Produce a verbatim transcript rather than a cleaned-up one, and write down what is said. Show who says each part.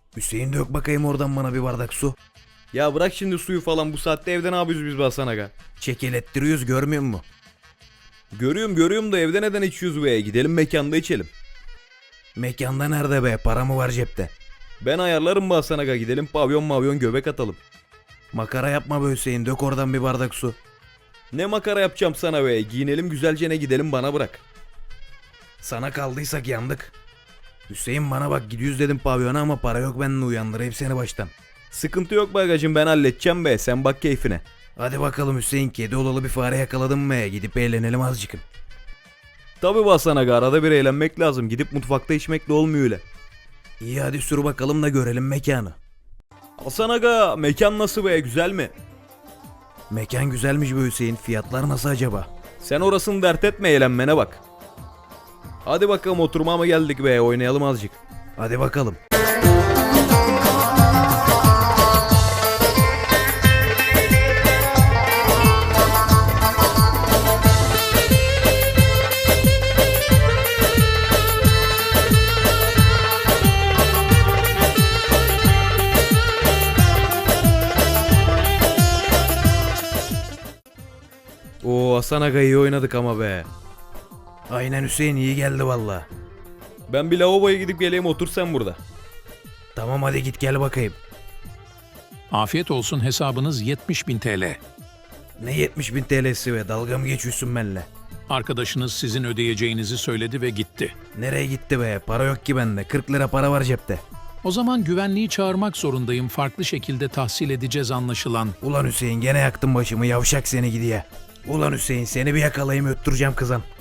Speaker 1: Hüseyin dök bakayım oradan bana bir bardak su.
Speaker 2: Ya bırak şimdi suyu falan, bu saatte evde ne yapıyoruz biz be Hasan aga?
Speaker 1: Çekelettiriyoruz görmüyor musun?
Speaker 2: Görüyorum görüyorum da evde neden içiyoruz be? Gidelim mekanda içelim.
Speaker 1: Mekanda nerede be, para mı var cepte?
Speaker 2: Ben ayarlarım be Hasan aga, gidelim pavyon mavyon göbek atalım.
Speaker 1: Makara yapma be Hüseyin, dök oradan bir bardak su.
Speaker 2: Ne makara yapacağım sana be, giyinelim güzelce ne gidelim, bana bırak.
Speaker 1: Sana kaldıysak yandık. Hüseyin bana bak, gidiyoruz dedim pavyona ama para yok, ben de uyandırayım seni baştan.
Speaker 2: Sıkıntı yok be agacım, ben halledeceğim be, sen bak keyfine.
Speaker 1: Hadi bakalım Hüseyin, kedi olalı bir fare yakaladım be, gidip eğlenelim azıcık.
Speaker 2: Tabi be Hasan aga, arada bir eğlenmek lazım, gidip mutfakta içmekle olmuyor öyle.
Speaker 1: İyi hadi sür bakalım da görelim mekanı.
Speaker 2: Hasan aga, mekan nasıl be, güzel mi?
Speaker 1: Mekan güzelmiş be Hüseyin, fiyatlar nasıl acaba?
Speaker 2: Sen orasını dert etme, eğlenmene bak. Hadi bakalım, oturmaya mı geldik be, oynayalım azıcık.
Speaker 1: Hadi bakalım.
Speaker 2: Oo Hasan aga, iyi oynadık ama be.
Speaker 1: Aynen Hüseyin, iyi geldi valla.
Speaker 2: Ben bir lavaboya gidip geleyim, otur sen burada.
Speaker 1: Tamam hadi git gel bakayım.
Speaker 3: Afiyet olsun, hesabınız yetmiş bin T L.
Speaker 1: Ne yetmiş bin T L'si be, dalga mı geçiyorsun benimle?
Speaker 3: Arkadaşınız sizin ödeyeceğinizi söyledi ve gitti.
Speaker 1: Nereye gitti be, para yok ki bende, kırk lira para var cepte.
Speaker 3: O zaman güvenliği çağırmak zorundayım. Farklı şekilde tahsil edeceğiz anlaşılan.
Speaker 1: Ulan Hüseyin, gene yaktın başımı, yavşak seni gidiye. Ulan Hüseyin, seni bir yakalayayım öttüreceğim kızan.